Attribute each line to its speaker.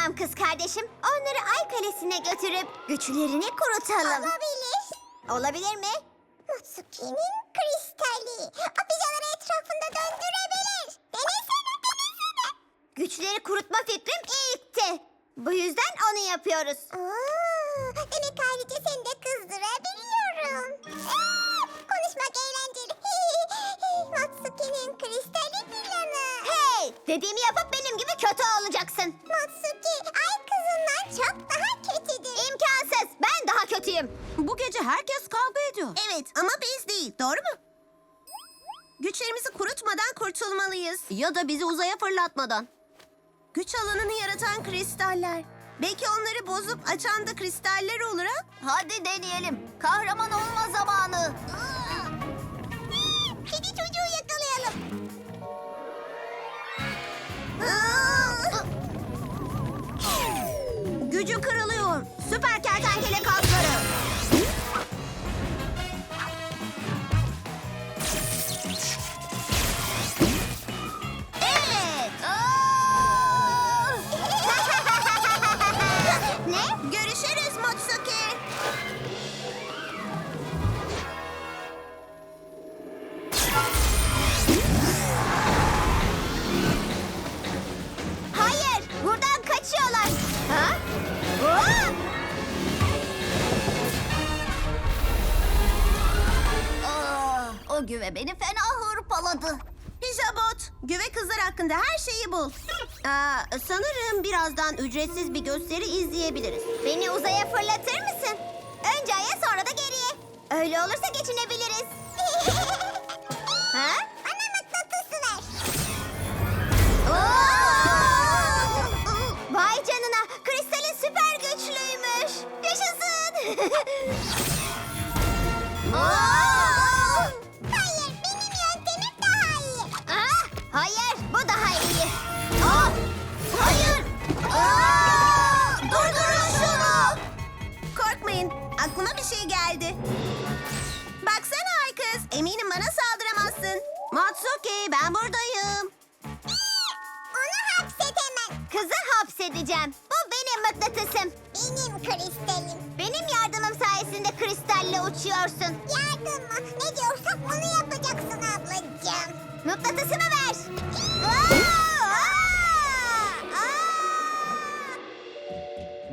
Speaker 1: Tamam kız kardeşim. Onları Ay Kalesi'ne götürüp güçlerini kurutalım. Olabilir mi?
Speaker 2: Mutsuki'nin kristali. O pijaları etrafında döndürebilir. Denesene.
Speaker 1: Güçleri kurutma fikrim ilkti. Bu yüzden onu yapıyoruz.
Speaker 2: Demek ayrıca seni de kızdırabiliyorum. Konuşmak eğlenceli. Matsuki'nin kristali planı.
Speaker 1: Hey! Dediğimi yapıp benim gibi kötü olacaksın.
Speaker 2: Matsuki ay kızından çok daha kötüdür.
Speaker 1: İmkansız. Ben daha kötüyüm.
Speaker 3: Bu gece herkes kavga ediyor.
Speaker 2: Evet ama biz değil, doğru mu? Güçlerimizi kurutmadan kurtulmalıyız.
Speaker 3: Ya da bizi uzaya fırlatmadan.
Speaker 2: Güç alanını yaratan kristaller. Belki onları bozup açan da kristaller olur ha?
Speaker 3: Hadi deneyelim. Kahraman olma zamanı.
Speaker 2: Kedi çocuğu yakalayalım.
Speaker 3: Gücü kırılıyor. Süper kertenkele kasları.
Speaker 1: Evet. Ne?
Speaker 2: Görüşürüz Mutsuki.
Speaker 1: Hayır. Buradan kaçıyorlar. Ha?
Speaker 3: O güve beni fena hırpaladı.
Speaker 2: Pijabot, güve kızlar hakkında her şeyi bul.
Speaker 3: Sanırım birazdan ücretsiz bir gösteri izleyebiliriz.
Speaker 1: Beni uzaya fırlatır mısın? Önce aya sonra da geriye. Öyle olursa geçinebiliriz. Ha?
Speaker 2: Bana mıknatısı ver.
Speaker 1: Vay canına. Kristalin süper güçlüymüş. Yaşasın.
Speaker 2: Hayır, benim yöntemim daha iyi.
Speaker 1: Hayır, bu daha iyi. Hayır.
Speaker 2: Durdurun şunu. Korkmayın, aklıma bir şey geldi. Baksana ay kız, eminim bana saldıramazsın.
Speaker 3: Matsuki ben buradayım.
Speaker 2: Onu hapset hemen.
Speaker 1: Kızı hapsedeceğim. Bu benim mıknatısım.
Speaker 2: Benim kristalim.
Speaker 1: Benim yardımım sayesinde kristalle uçuyorsun.
Speaker 2: Yardım mı? Ne diyorsam onu yapacaksın ablacığım.
Speaker 1: Mıknatısımı ver.